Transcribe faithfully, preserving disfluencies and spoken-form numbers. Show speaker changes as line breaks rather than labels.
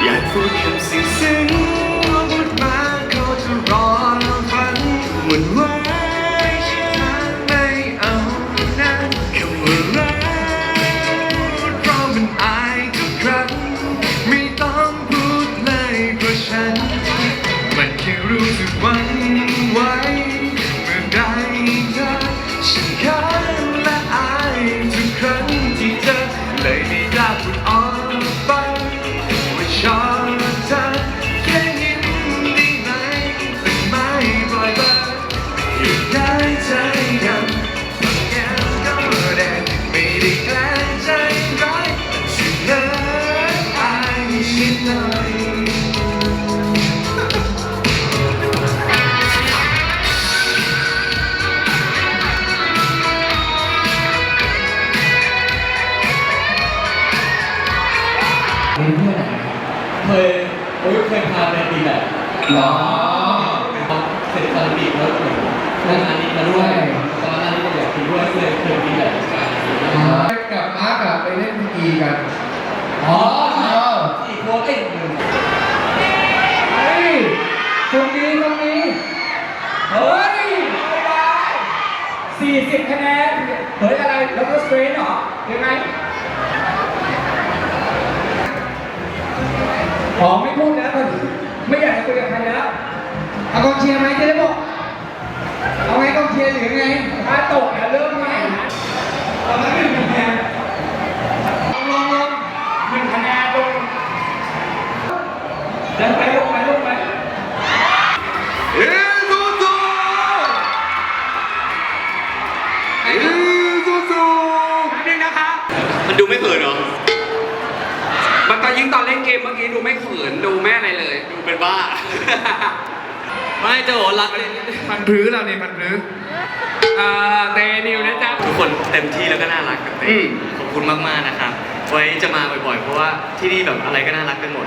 อยากพูดคำสิ่งซึ้งพูดมาเขาจะรอฟังหมุนไว้ไม่เอานะคำว่ารักเพราะมันอายทุกครั้งไม่ต้องพูดเลยเพราะฉันมันแค่รู้สึกหวั่นไหวเมื่อใดเธอฉันเขินและอายทุกครั้งที่เจอเลยไม่กล้าพูดออกไปว่าชอบเธอแค่ยิ้มได้ไหมแต่ไม่ปล่อยเบอร์อยู่ได้ใจกันแก้วก็แดงไม่ได้แกล้งใจร้ายฉันเลิกอายฉันหน่อย
เป็นเพื่อนไหนเคยโอ้ยเคยพาไปตีแบบหรอเสร็จคาราบิแล้วเหมือนนั่งอันนี้มาด้วยตอนนั้นก็อยากตีด้วยเคยเคยตีแบบกันกับมาร์กไปเล่นกีกันอ๋อใช่สี่คนเอ้ยหนึ่งเฮ้ยตรงนี้ตรงนี้เฮ้ยสี่สิบคะแนนเฮ้ยอะไรแล้วก็สเตรนเหรอยังไงขอไม่พูดแล้วไม่อยากจะคุยกับใครแล้วเอากองเชียร์ไหมเจ๊บอกเอาไงกองเชียร์หรือไงถ้าตกแล้วเริ่มใหม่เราไม่หนึ่งคะแนนลงลงหนึ่งคะแนนลงเดินไปลงไปลงไป
เอ้ซูซูเอ้ซูซูนิดนึงนะคะมันดูไม่เขินเหรอมันตอนยิงตอนเล่นเกมเมื่อกี้ดูไม่เขินดูไม่อะไรเลยดูเป็นบ้าไม่เจ้าโหรักเลยมันพลื้เราเนี่ยมันพลื้อ่าเตนิวนะจ๊ะทุกคนเต็มที่แล้วก็น่ารักกับเต้ขอบคุณมากๆนะครับไว้จะมาบ่อยๆเพราะว่าที่นี่แบบอะไรก็น่ารักกันหมด